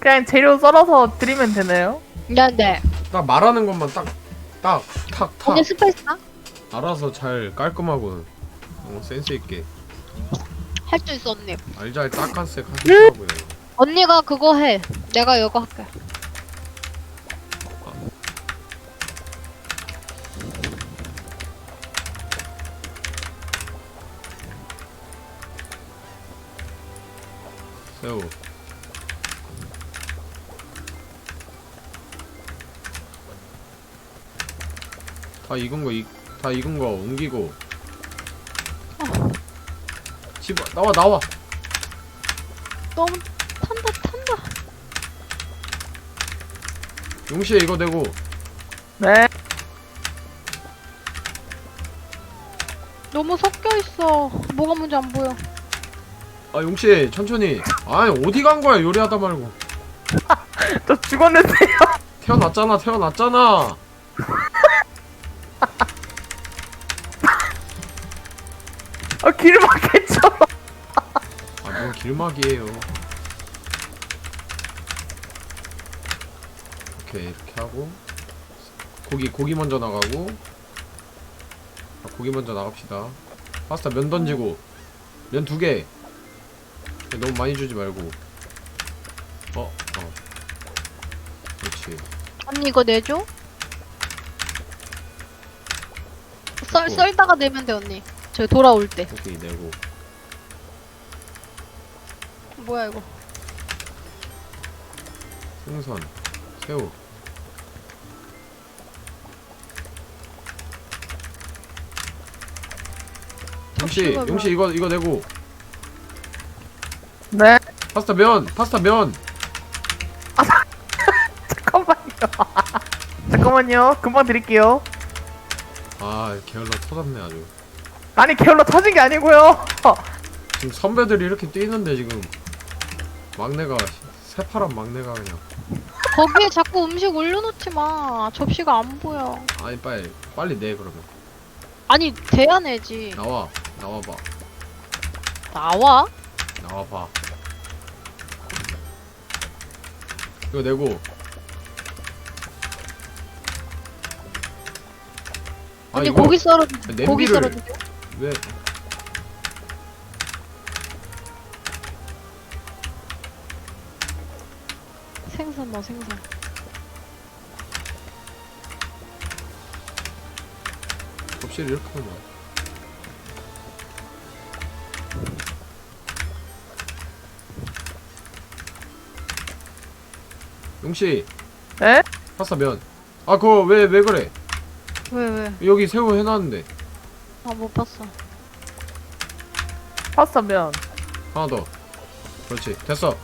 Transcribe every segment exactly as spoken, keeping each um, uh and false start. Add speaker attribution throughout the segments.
Speaker 1: 그냥 재료 썰어서 드리면 되나요?
Speaker 2: 네네.
Speaker 3: 딱 말하는 것만 딱 딱 탁 탁
Speaker 2: 언니 스페이스 나?
Speaker 3: 알아서 잘 깔끔하고 어, 센스 있게
Speaker 2: 할 수 있어 언니.
Speaker 3: 알잘 딱한색 하시더라고요.
Speaker 2: 언니가 그거 해. 내가 이거 할게.
Speaker 3: 새우. 다 익은 거, 이, 다 익은 거 옮기고. 집어, 나와, 나와!
Speaker 2: 너무 탄다 탄다.
Speaker 3: 용시에 이거 내고.
Speaker 1: 네.
Speaker 2: 너무 섞여 있어. 뭐가 뭔지 안 보여.
Speaker 3: 아, 용시, 천천히. 아니, 어디 간 거야, 요리하다 말고.
Speaker 1: 저 죽었는데요.
Speaker 3: 태어났잖아, 태어났잖아!
Speaker 1: 아, 길 막혔죠.
Speaker 3: 아, 뭔 길막이에요. 오케이, 이렇게 하고. 고기, 고기 먼저 나가고. 아, 고기 먼저 나갑시다. 파스타 면 던지고. 면 두 개. 너무 많이 주지 말고. 어, 어. 그렇지.
Speaker 2: 언니 이거 내줘? 썰,
Speaker 3: 어.
Speaker 2: 썰다가 내면 돼 언니. 저 돌아올 때.
Speaker 3: 고기 내고.
Speaker 2: 뭐야 이거.
Speaker 3: 생선, 새우. 용씨,
Speaker 2: 접시가
Speaker 3: 용씨 이거 이거 내고.
Speaker 1: 네.
Speaker 3: 파스타 면, 파스타 면.
Speaker 1: 잠깐만요. 잠깐만요. 금방 드릴게요.
Speaker 3: 아, 게을러 터졌네 아주.
Speaker 1: 아니, 게을러 터진 게 아니고요.
Speaker 3: 지금 선배들이 이렇게 뛰는데 지금 막내가 새파란 막내가 그냥.
Speaker 2: 거기에 자꾸 음식 올려놓지 마. 접시가 안 보여.
Speaker 3: 아니 빨리 빨리 내 그러면.
Speaker 2: 아니 돼야 내지.
Speaker 3: 나와, 나와봐,
Speaker 2: 나와?
Speaker 3: 나와봐. 이거 내고. 아,
Speaker 2: 언니
Speaker 3: 이거
Speaker 2: 고기 썰어.
Speaker 3: 냄비를
Speaker 2: 고기 썰어줘.
Speaker 3: 왜?
Speaker 2: 생선 뭐 생선.
Speaker 3: 접시를 이렇게 놓아. 용씨,
Speaker 1: 네?
Speaker 3: 파스타 면. 아, 그거 왜 왜 그래?
Speaker 2: 왜 왜?
Speaker 3: 여기 새우 해놨는데.
Speaker 2: 아 못 봤어.
Speaker 1: 파스타 면.
Speaker 3: 하나 더. 그렇지, 됐어.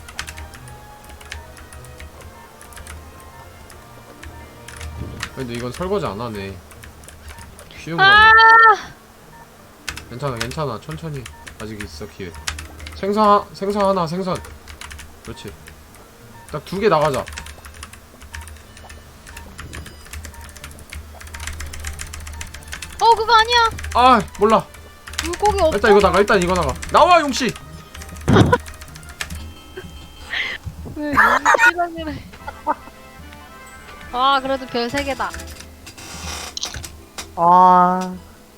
Speaker 3: 근데 이건 설거지 안 하네. 쉬운 거네.
Speaker 2: 아!
Speaker 3: 괜찮아, 괜찮아. 천천히. 아직 있어 기회. 생선 하- 생선 하나, 생선. 그렇지. 딱 두 개 나가자.
Speaker 2: 어 그거 아니야.
Speaker 3: 아, 몰라.
Speaker 2: 물고기 없어.
Speaker 3: 일단 이거 나가. 일단 이거 나가. 나와, 용씨.
Speaker 2: 왜 용기랑이래. 아 그래도 별 세 개다.
Speaker 1: 아,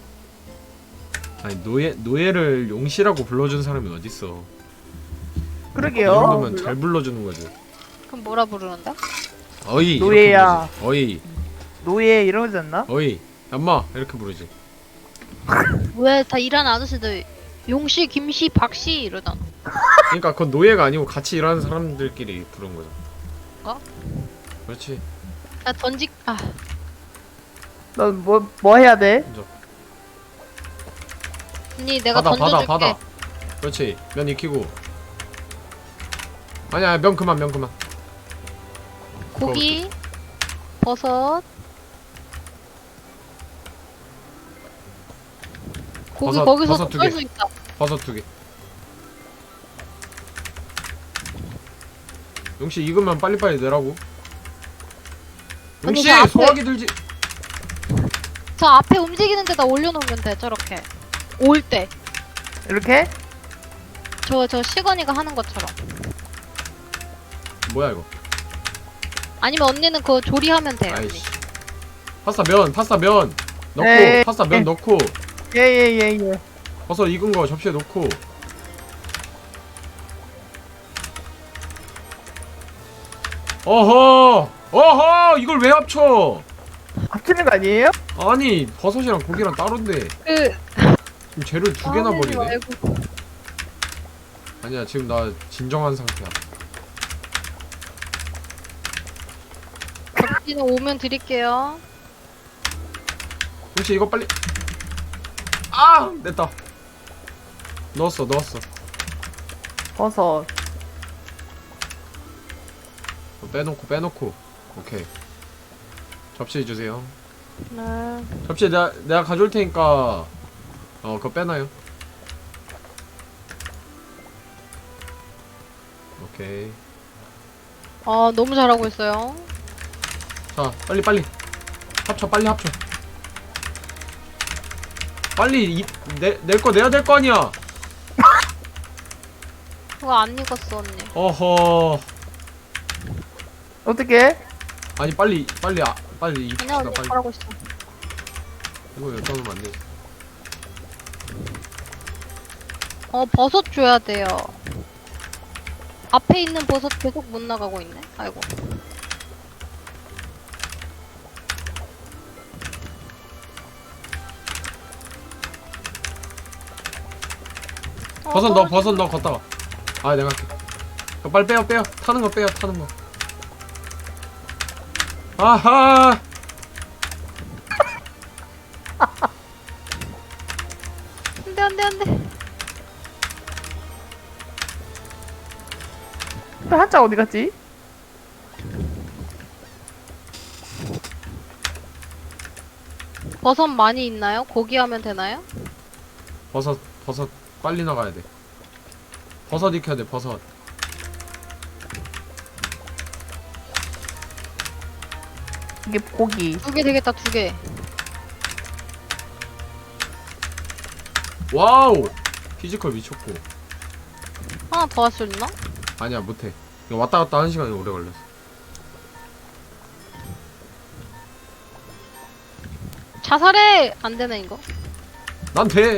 Speaker 3: 아니 노예 노예를 용씨라고 불러준 사람이 어딨어? 이
Speaker 1: 그러게요.
Speaker 3: 정도면 잘 불러주는 거지.
Speaker 2: 그럼 뭐라 부르는데?
Speaker 3: 어이. 이렇게
Speaker 1: 노예야.
Speaker 3: 부르지. 어이,
Speaker 1: 노예 이러지 않나?
Speaker 3: 어이. 엄마 이렇게 부르지.
Speaker 2: 왜 다 일하는 아저씨들 용씨, 김씨, 박씨 이러잖아.
Speaker 3: 그러니까 그건 노예가 아니고 같이 일하는 사람들끼리 부른 거죠.
Speaker 2: 어?
Speaker 3: 그렇지.
Speaker 2: 나 던지 아
Speaker 1: 너 뭐 뭐 해야 돼?
Speaker 3: 먼저.
Speaker 2: 언니 내가
Speaker 3: 받아, 받아,
Speaker 2: 던져줄게.
Speaker 3: 받아. 그렇지. 면 익히고. 아니야, 면 그만, 면 그만.
Speaker 2: 고기, 버섯. 고기
Speaker 3: 버섯,
Speaker 2: 거기서
Speaker 3: 버섯 두
Speaker 2: 썰
Speaker 3: 개.
Speaker 2: 수 있다.
Speaker 3: 버섯 두 개. 용씨 익으면 빨리빨리 내라고.
Speaker 2: 아니,
Speaker 3: 용씨
Speaker 2: 저 앞에-
Speaker 3: 소화기 들지.
Speaker 2: 저 앞에 움직이는 데다 올려놓으면 돼. 저렇게 올 때.
Speaker 1: 이렇게?
Speaker 2: 저 저 시건이가 하는 것처럼.
Speaker 3: 뭐야 이거?
Speaker 2: 아니면 언니는 그거 조리하면 돼요. 언니.
Speaker 3: 아이씨. 파스타 면, 파스타 면 넣고,
Speaker 1: 네.
Speaker 3: 파스타 면 넣고,
Speaker 1: 예예예 예, 예.
Speaker 3: 버섯 익은 거 접시에 넣고. 어허, 어허, 이걸 왜 합쳐?
Speaker 1: 합치는 거 아니에요?
Speaker 3: 아니, 버섯이랑 고기랑 따로인데
Speaker 2: 그
Speaker 3: 지금 재료를 두 개나
Speaker 2: 화내지
Speaker 3: 버리네.
Speaker 2: 말고.
Speaker 3: 아니야, 지금 나 진정한 상태야.
Speaker 2: 접시는 오면 드릴게요.
Speaker 3: 혹시 이거 빨리. 아, 됐다. 넣었어, 넣었어.
Speaker 1: 버섯.
Speaker 3: 빼놓고, 빼놓고. 오케이. 접시 주세요.
Speaker 2: 네.
Speaker 3: 접시 내가 내가 가져올 테니까 어 그거 빼놔요. 오케이.
Speaker 2: 아 너무 잘하고 있어요.
Speaker 3: 자, 빨리 빨리 합쳐, 빨리 합쳐. 빨리 내낼 거 내야 될 거 아니야.
Speaker 2: 그거 안 익었어 언니.
Speaker 3: 어허.
Speaker 1: 어떻게?
Speaker 3: 아니 빨리 빨리 아, 빨리
Speaker 2: 아니야
Speaker 3: 입시다
Speaker 2: 언니
Speaker 3: 빨리.
Speaker 2: 잘하고 있어.
Speaker 3: 이거 여기다 놓으면 안 돼.
Speaker 2: 어 버섯 줘야 돼요. 앞에 있는 버섯 계속 못 나가고 있네. 아이고. 어,
Speaker 3: 버섯 넣어,
Speaker 2: 떨어지-
Speaker 3: 버섯 넣어, 걷다가. 아, 내가 할게. 어, 빨리 빼요, 빼요. 타는 거 빼요, 타는 거. 아하!
Speaker 2: 안돼 안돼 안돼.
Speaker 1: 또 한자 어디 갔지?
Speaker 2: 버섯 많이 있나요? 고기 하면 되나요?
Speaker 3: 버섯, 버섯, 빨리 나가야 돼. 버섯 익혀야 돼, 버섯.
Speaker 1: 이게 고기.
Speaker 2: 두 개 되겠다 두 개.
Speaker 3: 와우! 피지컬 미쳤고.
Speaker 2: 하나 더 할 수 있나?
Speaker 3: 아니야, 못해. 이거 왔다 갔다 하는 시간이 오래 걸렸어.
Speaker 2: 자살해! 안 되네 이거.
Speaker 3: 난 돼!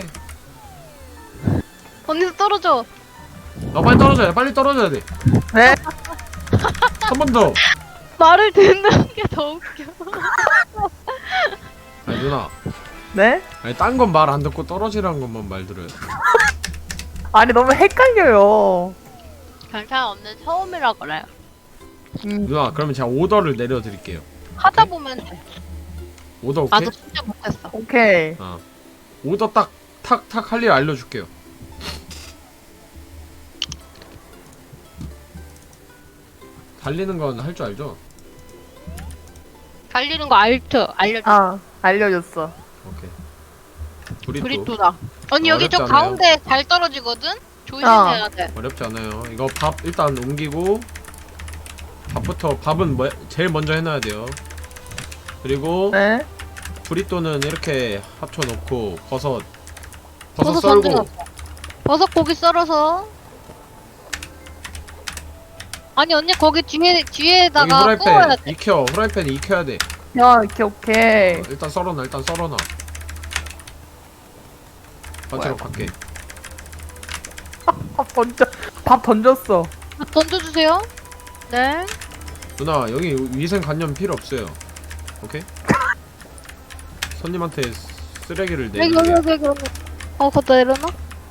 Speaker 2: 언니도 떨어져.
Speaker 3: 나 빨리 떨어져야 돼, 빨리 떨어져야 돼.
Speaker 1: 네?
Speaker 3: 한 번 더!
Speaker 2: 말을 듣는 게 더 웃겨.
Speaker 3: 아니, 누나.
Speaker 1: 네?
Speaker 3: 아니, 딴 건 말 안 듣고 떨어지라는 것만 말 들어야 돼.
Speaker 1: 아니 너무 헷갈려요.
Speaker 2: 괜찮아 언니 처음이라 그래.
Speaker 1: 음,
Speaker 3: 누나, 그러면 제가 오더를 내려드릴게요.
Speaker 2: 하다 보면 돼.
Speaker 3: 오더 오케이?
Speaker 2: 나도 진짜 못했어.
Speaker 1: 오케이.
Speaker 3: 어. 오더 딱, 탁, 탁 할 일 알려줄게요. 달리는 건 할 줄 알죠?
Speaker 2: 달리는 거 알트 알려줘.
Speaker 1: 아 알려줬어.
Speaker 3: 오케이. 브리또.
Speaker 2: 브리또다. 언니 여기 저
Speaker 3: 어렵지 않아요?
Speaker 2: 가운데 잘 떨어지거든? 조심해야 돼.
Speaker 3: 어렵지 않아요. 이거 밥 일단 옮기고 밥부터 밥은 뭐, 제일 먼저 해놔야 돼요. 그리고
Speaker 1: 네?
Speaker 3: 브리또는 이렇게 합쳐놓고 버섯 버섯,
Speaker 2: 버섯
Speaker 3: 썰고
Speaker 2: 던져놨어. 버섯 고기 썰어서. 아니 언니 거기 뒤에
Speaker 3: 여기
Speaker 2: 뒤에다가 구워야
Speaker 3: 후라이팬
Speaker 2: 돼.
Speaker 3: 익혀. 후라이팬 익혀야 돼.
Speaker 1: 야 오케이 오케이.
Speaker 3: 어, 일단 썰어놔. 일단 썰어놔. 반찬으로 갈게.
Speaker 1: 밥 던져. 밥 던졌어.
Speaker 2: 밥 던져주세요. 네.
Speaker 3: 누나 여기 위생관념 필요 없어요. 오케이? 손님한테 쓰레기를
Speaker 2: 여기
Speaker 3: 내는
Speaker 2: 여기
Speaker 3: 게.
Speaker 2: 여기 여기. 여기. 어 걷다 내려놔.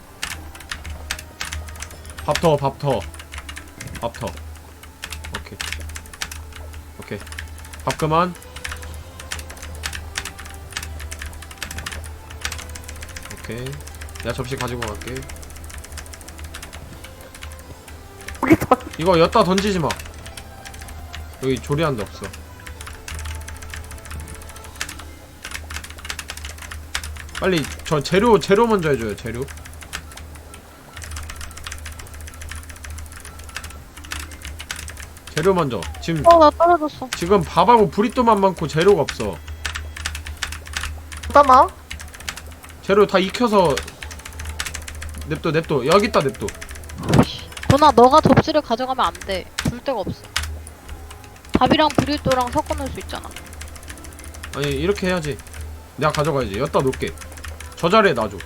Speaker 3: 밥 더, 밥 더. 밥 더. 오케이. 오케이. 밥 그만. 오케이. 내가 접시 가지고 갈게.
Speaker 1: 고기 던.
Speaker 3: 이거 엿다 던지지 마. 여기 조리하는 데 없어. 빨리 저 재료 재료 먼저 해줘요. 재료. 재료 먼저. 지금
Speaker 2: 어 나 떨어졌어.
Speaker 3: 지금 밥하고 브리또만 많고 재료가 없어.
Speaker 1: 잠깐만.
Speaker 3: 재료 다 익혀서 냅둬 냅둬. 여기 있다 냅둬.
Speaker 2: 도나 너가 접시를 가져가면 안 돼. 줄 데가 없어. 밥이랑 브릴또랑 섞어 놓을 수 있잖아.
Speaker 3: 아니 이렇게 해야지. 내가 가져가야지. 여기다 놓을게. 저 자리에 놔줘.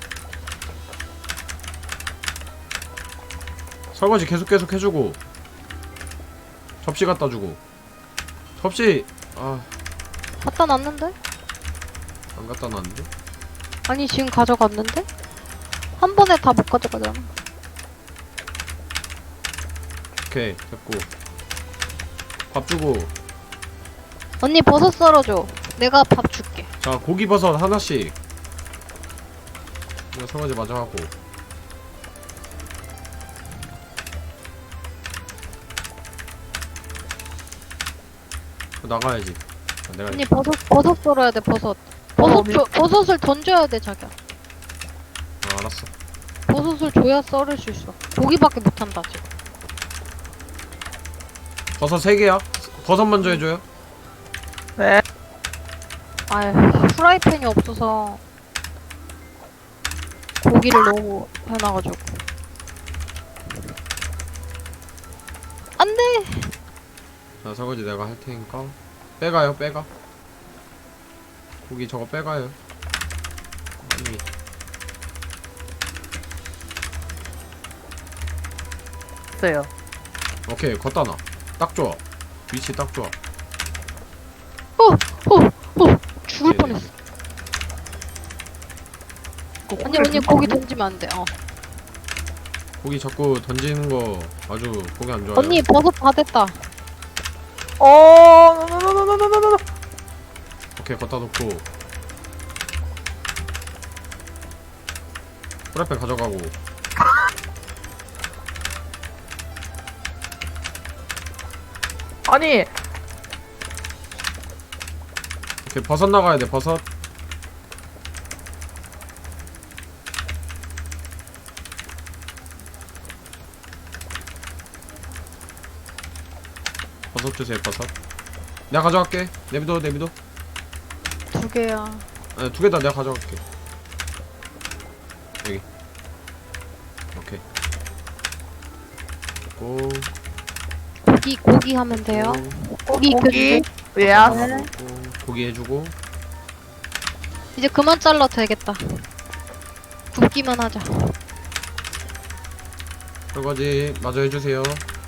Speaker 3: 설거지 계속 계속 해주고 접시 갖다 주고. 접시 아
Speaker 2: 갖다 놨는데?
Speaker 3: 안 갖다 놨는데?
Speaker 2: 아니 지금 가져갔는데? 한 번에 다 못 가져가잖아.
Speaker 3: 오케이 됐고 밥 주고.
Speaker 2: 언니 버섯 썰어줘. 내가 밥 줄게.
Speaker 3: 자 고기 버섯 하나씩. 이거 설거지 마저 하고. 나가야지. 아, 내가
Speaker 2: 언니 버섯 버섯 썰어야 돼. 버섯. 버섯
Speaker 1: 어,
Speaker 2: 줘, 버섯을 던져야 돼 자기야.
Speaker 3: 아, 알았어.
Speaker 2: 버섯을 줘야 썰을 수 있어. 고기밖에 못 한다 지금.
Speaker 3: 버섯 세 개야. 버섯 먼저 해줘요.
Speaker 1: 네.
Speaker 2: 아휴 프라이팬이 없어서 고기를 너무 해놔가지고. 안돼.
Speaker 3: 자 설거지 내가 할 테니까 빼가요. 빼가. 고기 저거 빼가요. 아니
Speaker 1: 있어요.
Speaker 3: 오케이 걷다 놔. 딱 좋아. 위치 딱 좋아.
Speaker 2: 어어어 죽을
Speaker 3: 네네.
Speaker 2: 뻔했어. 언니 언니 고기 던지면 안 돼. 어.
Speaker 3: 고기 자꾸 던지는 거 아주 보기 안 좋아요.
Speaker 2: 언니 버섯 다 됐다.
Speaker 1: 어, 노노노노노노노.
Speaker 3: 오케이 걷다 놓고 프라이팬 가져가고.
Speaker 1: 아니,
Speaker 3: 오케이 버섯 나가야 돼. 버섯. 버섯 주세요. 버섯. 내가 가져갈게. 내비둬 내비둬.
Speaker 2: 두 개야.
Speaker 3: 아니 두 개 다 내가 가져갈게. 여기. 오케이. 고.
Speaker 2: 고기 고기 하면 돼요. 고기
Speaker 1: 고기.
Speaker 2: 고기.
Speaker 1: 예.
Speaker 2: 네.
Speaker 3: 고기 해주고.
Speaker 2: 이제 그만 잘라 되겠다. 굽기만 하자.
Speaker 3: 설거지 마저 해주세요.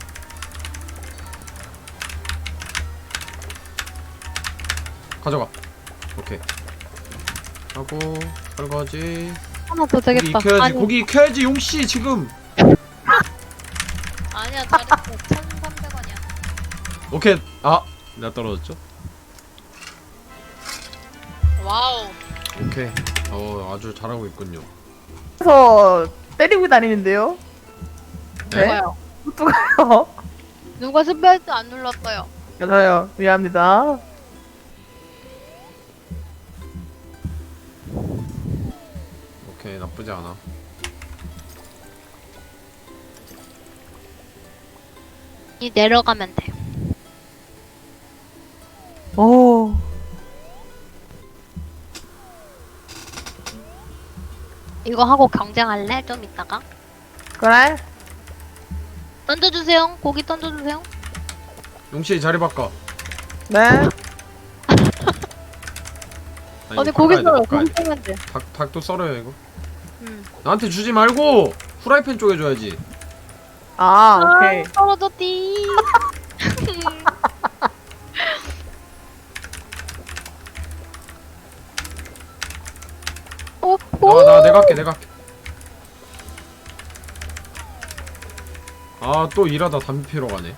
Speaker 3: 가져가. 오케이. 하고 설거지.
Speaker 2: 하나 더
Speaker 3: 고기
Speaker 2: 되겠다.
Speaker 3: 익혀야지.
Speaker 2: 아니,
Speaker 3: 고기 익혀야지. 용씨 지금.
Speaker 2: 아니야 잘했어. 천삼백 원이야.
Speaker 3: 오케이. 아 내가 떨어졌죠?
Speaker 2: 와우.
Speaker 3: 오케이. 어 아주 잘하고 있군요.
Speaker 1: 그래서 때리고 다니는데요. 네?
Speaker 2: 누가요?
Speaker 1: 누가요?
Speaker 2: 누가 스페이스 안 눌렀어요?
Speaker 1: 저요. 미안합니다.
Speaker 3: 오케이 나쁘지 않아.
Speaker 2: 이 내려가면 돼.
Speaker 1: 오.
Speaker 2: 이거 하고 경쟁할래? 좀 이따가.
Speaker 1: 그래?
Speaker 2: 던져주세요. 고기 던져주세요.
Speaker 3: 용씨 자리 바꿔.
Speaker 1: 네.
Speaker 3: 아니,
Speaker 2: 언니
Speaker 3: 이거
Speaker 2: 고기
Speaker 3: 바꿔야 돼,
Speaker 2: 썰어.
Speaker 3: 바꿔야
Speaker 2: 고기
Speaker 3: 돼.
Speaker 2: 썰면 돼.
Speaker 3: 닭, 닭도 썰어요 이거.
Speaker 2: 응.
Speaker 3: 나한테 주지 말고 후라이팬 쪽에 줘야지.
Speaker 1: 아, 오케이.
Speaker 2: 떨어졌디. 오, 오.
Speaker 3: 나, 나 내가 할게. 내가 할게. 아 또 일하다 담배 피러 가네.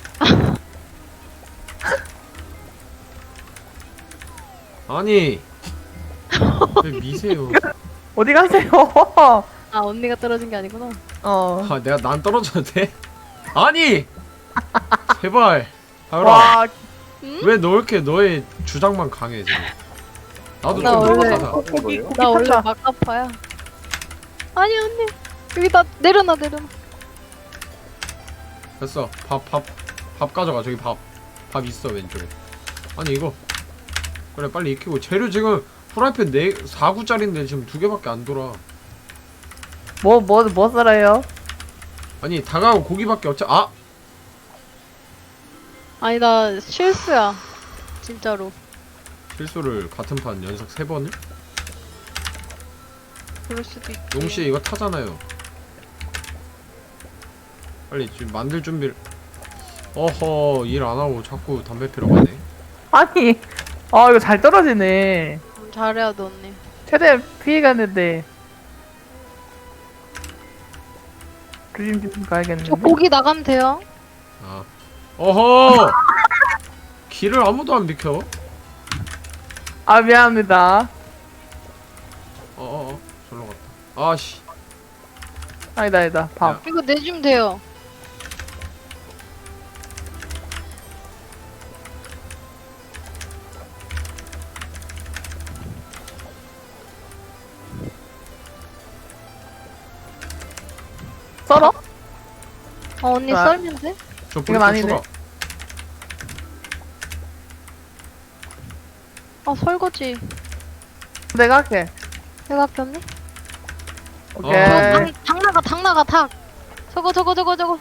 Speaker 3: 아니 왜 미세요.
Speaker 1: 어디 가세요?
Speaker 2: 아 언니가 떨어진 게 아니구나.
Speaker 1: 어.
Speaker 3: 아 내가 난 떨어져도 돼? 아니 제발 하율아.
Speaker 1: 와,
Speaker 3: 왜 너 이렇게 너의 주장만 강해 지금. 나도
Speaker 2: 나
Speaker 3: 좀
Speaker 2: 원래-
Speaker 3: 가자.
Speaker 1: 고기, 고기
Speaker 2: 나 원래
Speaker 1: 탔다.
Speaker 2: 막가파야. 아니 언니 여기다 내려놔 내려놔.
Speaker 3: 됐어. 밥 밥 밥 가져가. 저기 밥 밥 있어 왼쪽에. 아니 이거 그래 빨리 익히고. 재료 지금 프라이팬 네 사 구짜리인데 지금 두 개밖에 안 돌아.
Speaker 1: 뭐, 뭐, 뭐 썰어요?
Speaker 3: 아니 닭하고 고기밖에 없지. 아
Speaker 2: 아니 나 실수야. 진짜로.
Speaker 3: 실수를 같은 판 연속 세 번을?
Speaker 2: 그럴 수도 있지.
Speaker 3: 용씨 이거 타잖아요. 빨리 지금 만들 준비를. 어허, 일 안 하고 자꾸 담배 피러 가네.
Speaker 1: 아니, 아 이거 잘 떨어지네.
Speaker 2: 음, 잘해야 돼 언니.
Speaker 1: 최대한 피해갔는데. 조심 좀 가야겠는데.
Speaker 2: 저 고기 나가면 돼요.
Speaker 3: 아, 어허. 길을 아무도 안 비켜.
Speaker 1: 아 미안합니다.
Speaker 3: 어어어, 절로 갔다. 아씨.
Speaker 1: 아니다 아니다. 밥.
Speaker 3: 야.
Speaker 2: 이거 내주면 돼요.
Speaker 1: 썰어?
Speaker 2: 어 언니
Speaker 1: 아.
Speaker 2: 썰면 돼?
Speaker 3: 저
Speaker 1: 이거
Speaker 3: 불도
Speaker 1: 아니네.
Speaker 3: 추가.
Speaker 2: 아 설거지.
Speaker 1: 내가 할게.
Speaker 2: 내가 할게 언니.
Speaker 1: 오케이.
Speaker 3: 어.
Speaker 2: 닭, 닭 나가 닭 나가 닭. 저거 저거 저거 저거.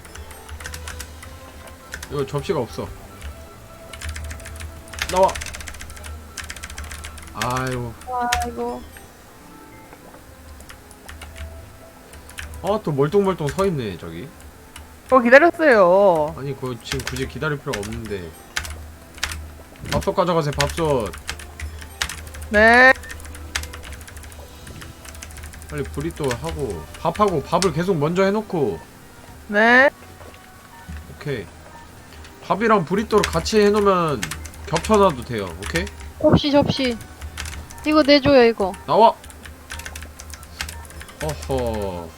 Speaker 3: 이거 접시가 없어. 나와. 아유.
Speaker 2: 아이고.
Speaker 3: 아, 또 멀뚱멀뚱 서 있네 저기.
Speaker 1: 저 기다렸어요.
Speaker 3: 아니 그거 지금 굳이 기다릴 필요가 없는데. 밥솥 가져가세요. 밥솥.
Speaker 1: 네.
Speaker 3: 빨리 브리또 하고 밥하고 밥을 계속 먼저 해놓고.
Speaker 1: 네.
Speaker 3: 오케이. 밥이랑 브리또를 같이 해놓으면 겹쳐놔도 돼요. 오케이?
Speaker 2: 접시 접시. 이거 내줘요 이거.
Speaker 3: 나와. 어허.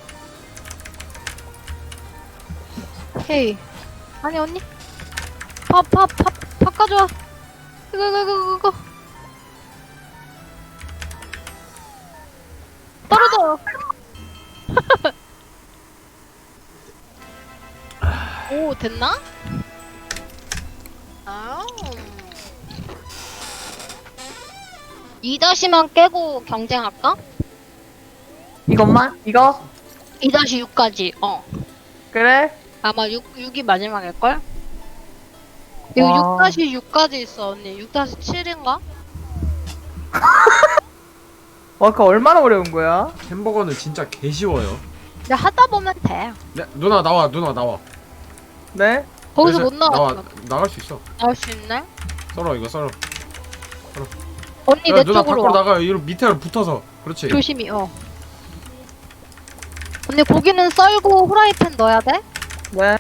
Speaker 2: 헤이. 아니 언니. 밥 밥 밥 밥 가져와. 이거 이거 이거 이거. 떨어져. 오 됐나? 아. 이 다시만 깨고 경쟁할까?
Speaker 1: 이것만? 이거?
Speaker 2: 이 다시 육까지. 어.
Speaker 1: 그래?
Speaker 2: 아마 육, 육이 마지막일걸? 이거
Speaker 1: 와.
Speaker 2: 육 다시 육까지 있어 언니. 육 다시 칠인가?
Speaker 1: 와, 그거 얼마나 어려운 거야?
Speaker 3: 햄버거는 진짜 개 쉬워요.
Speaker 2: 근데 하다 보면 돼.
Speaker 3: 네, 누나 나와. 누나 나와.
Speaker 1: 네?
Speaker 2: 거기서
Speaker 3: 그래서
Speaker 2: 못 나와.
Speaker 3: 나와. 나갈 수 있어.
Speaker 2: 나올 수 있네?
Speaker 3: 썰어 이거 썰어.
Speaker 2: 언니
Speaker 3: 야,
Speaker 2: 내
Speaker 3: 누나
Speaker 2: 쪽으로
Speaker 3: 밖으로
Speaker 2: 와.
Speaker 3: 나가. 이로 밑에로 붙어서. 그렇지.
Speaker 2: 조심히 어. 언니 고기는 썰고 후라이팬 넣어야 돼?
Speaker 1: 네.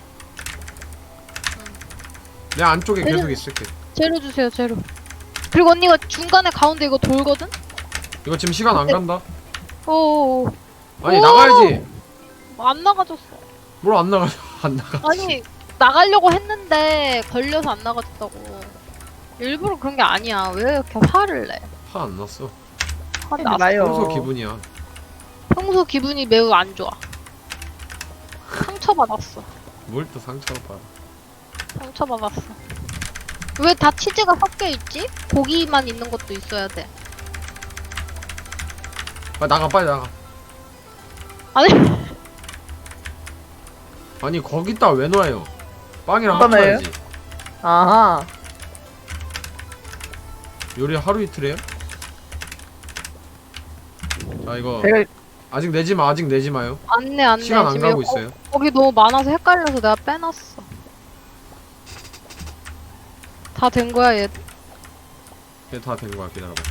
Speaker 3: 내 안쪽에
Speaker 2: 그래.
Speaker 3: 계속 있을게.
Speaker 2: 재료 주세요 재료. 그리고 언니가 중간에 가운데 이거 돌거든?
Speaker 3: 이거 지금 시간 안 간다.
Speaker 2: 어어어.
Speaker 3: 아니
Speaker 2: 오!
Speaker 3: 나가야지.
Speaker 2: 안 나가졌어.
Speaker 3: 뭘 안 나가? 안 나가.
Speaker 2: 아니 나가려고 했는데 걸려서 안 나가졌다고. 일부러 그런 게 아니야. 왜 이렇게 화를 내?
Speaker 3: 화 안 났어.
Speaker 2: 화를
Speaker 1: 하지
Speaker 2: 났어.
Speaker 1: 마요.
Speaker 3: 평소 기분이야.
Speaker 2: 평소 기분이 매우 안 좋아. 상처받았어.
Speaker 3: 뭘 또 상처를 받아.
Speaker 2: 상처받았어. 왜 다 치즈가 섞여있지? 고기만 있는 것도 있어야 돼.
Speaker 3: 빨리 나가 빨리 나가.
Speaker 2: 아니
Speaker 3: 아니 거기다 왜 놔요? 빵이랑
Speaker 1: 어떠네요?
Speaker 3: 합쳐야지.
Speaker 1: 아하.
Speaker 3: 요리 하루 이틀 해요? 자 이거
Speaker 1: 제가,
Speaker 3: 아직 내지 마. 아직 내지 마요.
Speaker 2: 안내 안내.
Speaker 3: 시간 안
Speaker 2: 지금
Speaker 3: 가고
Speaker 2: 이거
Speaker 3: 있어요.
Speaker 2: 거, 기 너무 많아서 헷갈려서 내가 빼놨어. 다 된 거야 얘.
Speaker 3: 얘 다 된 거야. 기다려봐.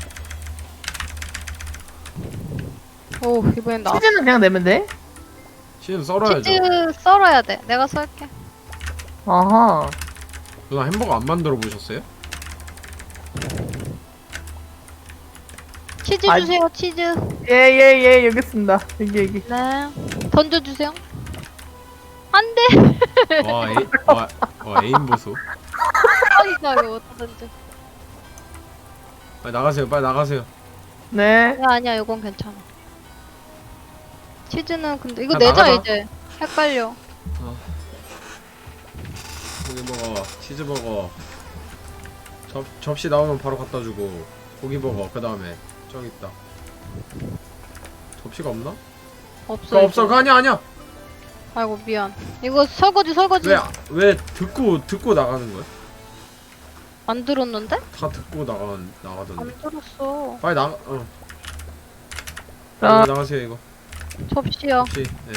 Speaker 2: 오 이번엔 나.
Speaker 1: 치즈는 그냥 내면 돼?
Speaker 3: 치즈는 썰어야죠.
Speaker 2: 치즈 썰어야 돼. 내가 썰게.
Speaker 1: 아하.
Speaker 3: 누나 햄버거 안 만들어 보셨어요?
Speaker 2: 치즈
Speaker 1: 아니.
Speaker 2: 주세요 치즈.
Speaker 1: 예, 예, 예, 여기 있습니다. 여기, 여기.
Speaker 2: 네. 던져주세요. 안돼.
Speaker 3: 와, 에이, 와, 와 에임 보소.
Speaker 2: 아니가요 어디다 던져.
Speaker 3: 빨리 나가세요. 빨리 나가세요.
Speaker 1: 네.
Speaker 2: 아니야 아니야 이건 괜찮아. 치즈는 근데 이거
Speaker 3: 야,
Speaker 2: 내자
Speaker 3: 나가자.
Speaker 2: 이제. 헷갈려.
Speaker 3: 고기 먹어. 치즈 먹어. 접 접시 나오면 바로 갖다 주고. 고기 먹어. 그 다음에 저기 있다. 접시가 없나?
Speaker 2: 없어.
Speaker 3: 그거 없어.
Speaker 2: 이제.
Speaker 3: 그거 아니야 아니야.
Speaker 2: 아이고 미안. 이거 설거지 설거지
Speaker 3: 왜 왜 듣고 듣고 나가는 거야?
Speaker 2: 만들었는데?
Speaker 3: 다 듣고 나가 나가던데.
Speaker 2: 안 들었어.
Speaker 3: 빨리 나가. 어.
Speaker 1: 자,
Speaker 3: 이거 나가세요 이거.
Speaker 2: 접시야.
Speaker 3: 혹시 네.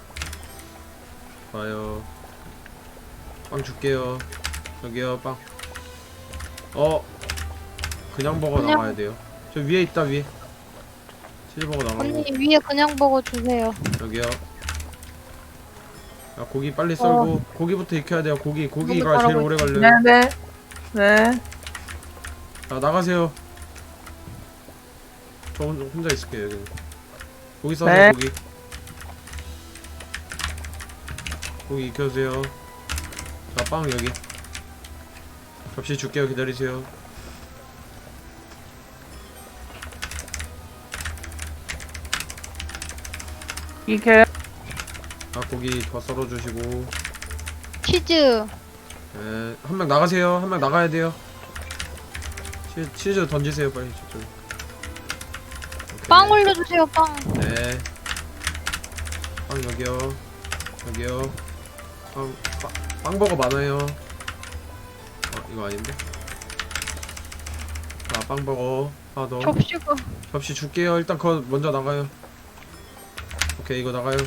Speaker 3: 좋아요. 빵 줄게요. 여기요 빵. 어. 그냥 버거
Speaker 2: 그냥-
Speaker 3: 나가야 돼요. 저 위에 있다 위에. 치즈 버거 나가고.
Speaker 2: 언니 위에 그냥 버거 주세요.
Speaker 3: 여기요. 야, 고기 빨리 썰고 고기부터 익혀야 돼요. 고기 고기가
Speaker 2: 너무
Speaker 3: 제일
Speaker 2: 잘하고
Speaker 3: 오래 걸려요.
Speaker 1: 네네. 네.
Speaker 3: 자 나가세요. 저 혼- 혼자 있을게요 여기. 고기 써세요
Speaker 1: 네.
Speaker 3: 고기. 고기 익혀주세요. 자 빵 여기. 접시 줄게요 기다리세요.
Speaker 1: 이렇게.
Speaker 3: 아 고기 더 썰어주시고.
Speaker 2: 치즈.
Speaker 3: 네, 한 명 나가세요. 한 명 나가야 돼요. 치, 치즈 던지세요 빨리 저쪽. 오케이.
Speaker 2: 빵 올려주세요 빵.
Speaker 3: 네. 빵 여기요. 여기요. 빵, 빵, 빵버거 많아요. 어, 이거 아닌데? 자, 빵버거 하나 더.
Speaker 2: 접시가.
Speaker 3: 접시 줄게요. 일단 그거 먼저 나가요. 오케이, 이거 나가요.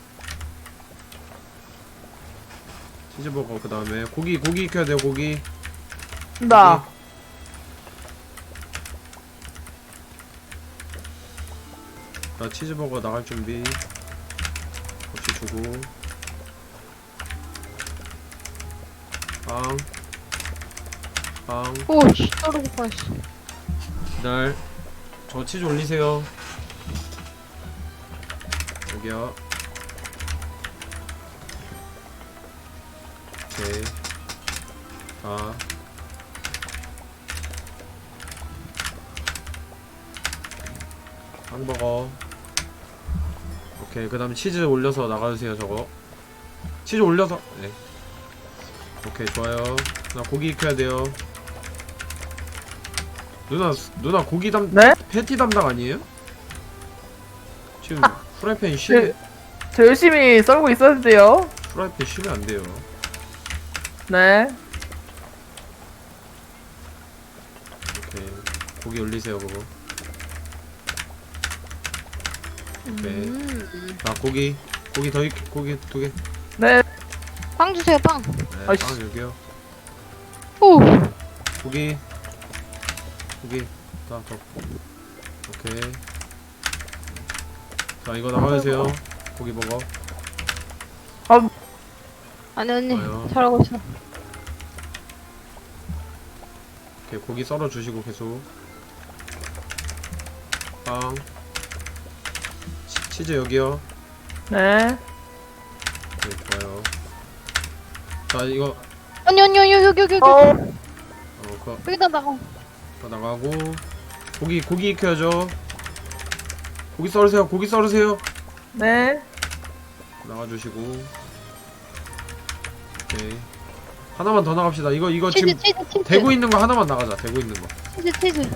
Speaker 3: 치즈버거 그 다음에 고기 고기 익혀야 돼요. 고기.
Speaker 1: 나.
Speaker 3: 자, 치즈버거 나갈 준비. 접시 주고. 빵. 빵.
Speaker 2: 오씨 떨어질 뻔했어.
Speaker 3: 기다려. 저 치즈 올리세요. 여기요. 오케이. 자. 빵버거. 오케이. 그 다음에 치즈 올려서 나가주세요, 저거. 치즈 올려서. 네. 오케이, 좋아요. 나 고기 익혀야 돼요. 누나, 누나 고기 담,
Speaker 1: 네?
Speaker 3: 패티 담당 아니에요? 지금
Speaker 1: 아,
Speaker 3: 프라이팬 쉬면,
Speaker 1: 네. 저 열심히 썰고 있었는데요.
Speaker 3: 프라이팬 쉬면 안 돼요.
Speaker 1: 네.
Speaker 3: 오케이. 고기 올리세요, 그거. 오케이.
Speaker 2: 음.
Speaker 3: 자, 고기. 고기 더 익, 고기 두 개.
Speaker 1: 네.
Speaker 2: 빵 주세요 빵.
Speaker 3: 네,
Speaker 1: 아이씨.
Speaker 3: 빵 여기요.
Speaker 2: 오.
Speaker 3: 고기. 고기. 자, 더. 오케이. 자, 이거 나가주세요. 고기 먹어.
Speaker 2: 아니 언니
Speaker 3: 좋아요.
Speaker 2: 잘하고 있어.
Speaker 3: 오케이, 고기 썰어 주시고 계속. 빵. 치, 치즈 여기요.
Speaker 1: 네.
Speaker 3: 네, 좋아요. 자, 이거
Speaker 2: 언니 언니 언니 여기 여기 여기.
Speaker 1: 어.
Speaker 3: 어, 그거,
Speaker 2: 여기다 나가.
Speaker 3: 그거 나가고 고기 고기 익혀야죠. 고기 썰으세요. 고기 썰으세요.
Speaker 1: 네.
Speaker 3: 나가주시고. 오케이. 하나만 더 나갑시다. 이거 이거
Speaker 2: 치즈
Speaker 3: 지금
Speaker 2: 치즈 치즈.
Speaker 3: 대고 있는 거 하나만 나가자. 대고 있는 거.
Speaker 2: 치즈 치즈.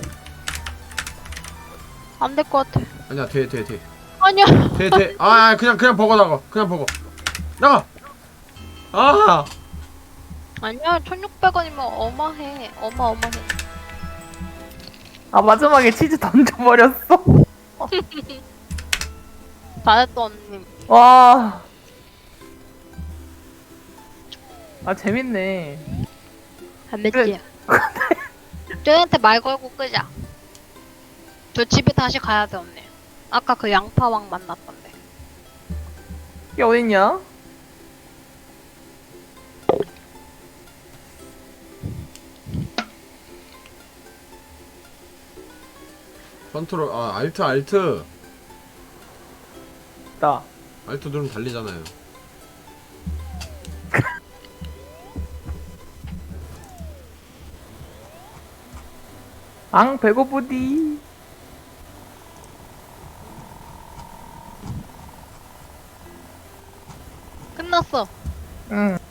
Speaker 2: 안 될 것 같아.
Speaker 3: 아니야, 돼, 돼, 돼.
Speaker 2: 아니야.
Speaker 3: 돼, 돼. 아, 아, 그냥 그냥 버거 나가. 그냥 버거. 나가. 아,
Speaker 2: 아니야 천육백 원이면 어마해. 어마어마해.
Speaker 1: 아, 마지막에 치즈 던져버렸어.
Speaker 2: 잘했어 언니.
Speaker 1: 와. 아, 재밌네.
Speaker 2: 안 맺지? 저한테 말 걸고 끄자. 저 집에 다시 가야 돼 언니. 아까 그 양파왕 만났던데.
Speaker 1: 이게 어딨냐?
Speaker 3: 컨트롤. 아, 알트, 알트.
Speaker 1: 나.
Speaker 3: 알트 누르면 달리잖아요.
Speaker 1: 앙, 배고프디.
Speaker 2: 끝났어.
Speaker 1: 응.